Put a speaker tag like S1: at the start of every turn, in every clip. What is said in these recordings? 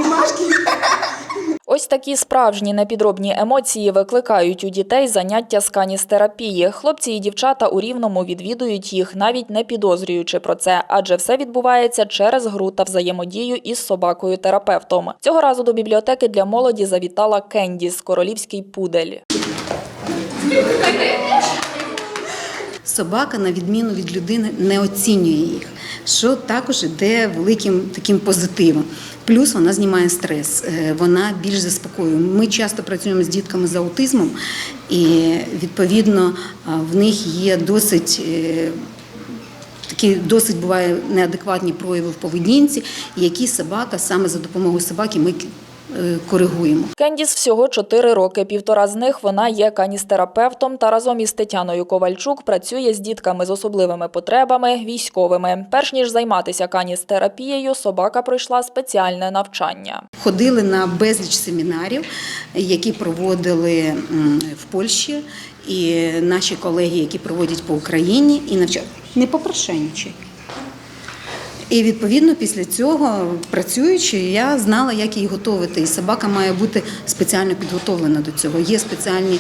S1: обнімашки.
S2: Ось такі справжні непідробні емоції викликають у дітей заняття з каністерапії. Хлопці і дівчата у Рівному відвідують їх, навіть не підозрюючи про це, адже все відбувається через гру та взаємодію із собакою-терапевтом. Цього разу до бібліотеки для молоді завітала Кендіс – королівський пудель.
S1: Собака, на відміну від людини, не оцінює їх, що також йде великим таким позитивом. Плюс вона знімає стрес, вона більш заспокоює. Ми часто працюємо з дітками з аутизмом, і, відповідно, в них є досить буває неадекватні прояви в поведінці, які собака, саме за допомогою собаки ми коригуємо.
S2: Кендіс всього 4 роки. 1,5 з них вона є каністерапевтом та разом із Тетяною Ковальчук працює з дітками з особливими потребами, військовими. Перш ніж займатися каністерапією, собака пройшла спеціальне навчання.
S1: Ходили на безліч семінарів, які проводили в Польщі, і наші колеги, які проводять по Україні, і навчали. Не попрошайничай. І, відповідно, після цього, працюючи, я знала, як її готувати. І собака має бути спеціально підготовлена до цього. Є спеціальні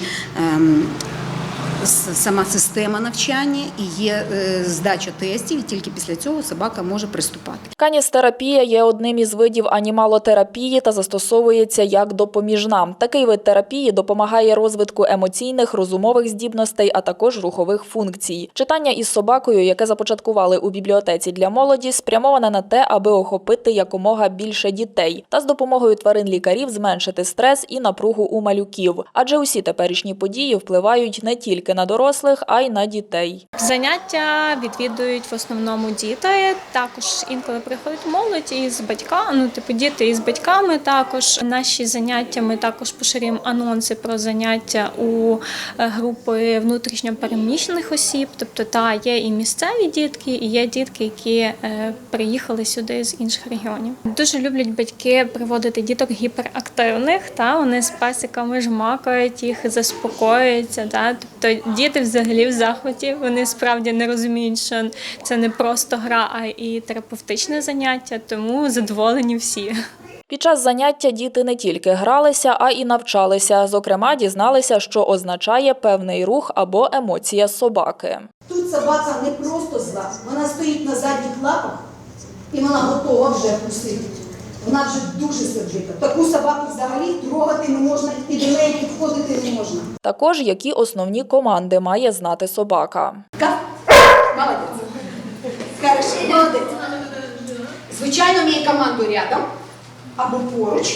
S1: сама система навчання і є здача тестів, і тільки після цього собака може приступати.
S2: Каністерапія є одним із видів анімалотерапії та застосовується як допоміжна. Такий вид терапії допомагає розвитку емоційних, розумових здібностей, а також рухових функцій. Читання із собакою, яке започаткували у бібліотеці для молоді, спрямоване на те, аби охопити якомога більше дітей та з допомогою тварин-лікарів зменшити стрес і напругу у малюків. Адже усі теперішні події впливають не тільки на дорослих, а й на дітей.
S3: Заняття відвідують в основному діти, також інколи приходить молодь із батьками, діти із батьками також. Наші заняття, ми також поширюємо анонси про заняття у групи внутрішньопереміщених осіб, тобто є і місцеві дітки, і є дітки, які приїхали сюди з інших регіонів. Дуже люблять батьки приводити діток гіперактивних, вони з песиками жмакають їх, заспокоюються, тобто діти взагалі в захваті, вони справді не розуміють, що це не просто гра, а і терапевтичне заняття, тому задоволені всі.
S2: Під час заняття діти не тільки гралися, а й навчалися. Зокрема, дізналися, що означає певний рух або емоція собаки.
S4: Тут собака не просто зла, вона стоїть на задніх лапах і вона готова вже вкусити. Вона вже дуже сердита. Таку собаку взагалі трогати не можна, і до неї підходити не можна.
S2: Також, які основні команди має знати собака.
S4: Молодець. Хорошо, молодець. Звичайно, мій команду рядом або поруч.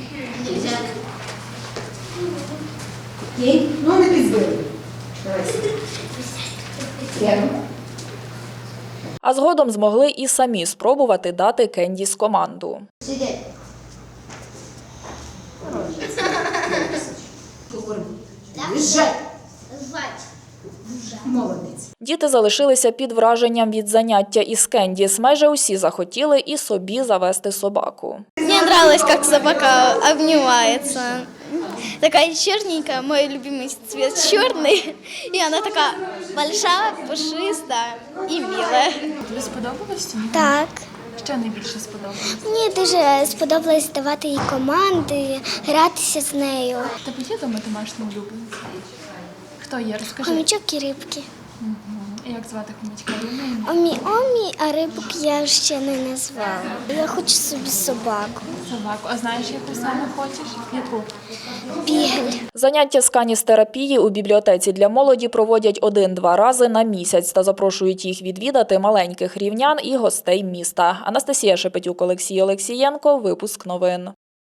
S4: Окей? Ну, не підзбили. Рядом.
S2: А згодом змогли і самі спробувати дати Кендіс команду.
S4: Сидять. Лежать. Молодець.
S2: Діти залишилися під враженням від заняття із Кендіс. Майже усі захотіли і собі завести собаку.
S5: Мне нравилось, как собака обнимается. Такая черненькая, мой любимый цвет черный. И она такая большая, пушистая и милая.
S6: Тобі сподобалось?
S5: Так.
S6: Що найбільше сподобалось?
S5: Мені дуже сподобалось давати їй команди, гратися з нею.
S6: Тебе є дома домашній улюбленець? Хто є? Розкажи.
S5: Хомячок і рибки.
S6: Як звати хомячка?
S5: Омі, а рибок я ще не назвала. Я хочу собі собаку.
S6: Собаку. А знаєш, яку саме хочеш? Яку?
S5: Бігель.
S2: Заняття з каністерапії у бібліотеці для молоді проводять 1-2 рази на місяць та запрошують їх відвідати маленьких рівнян і гостей міста. Анастасія Шепетюк, Олексій Олексієнко. Випуск новин.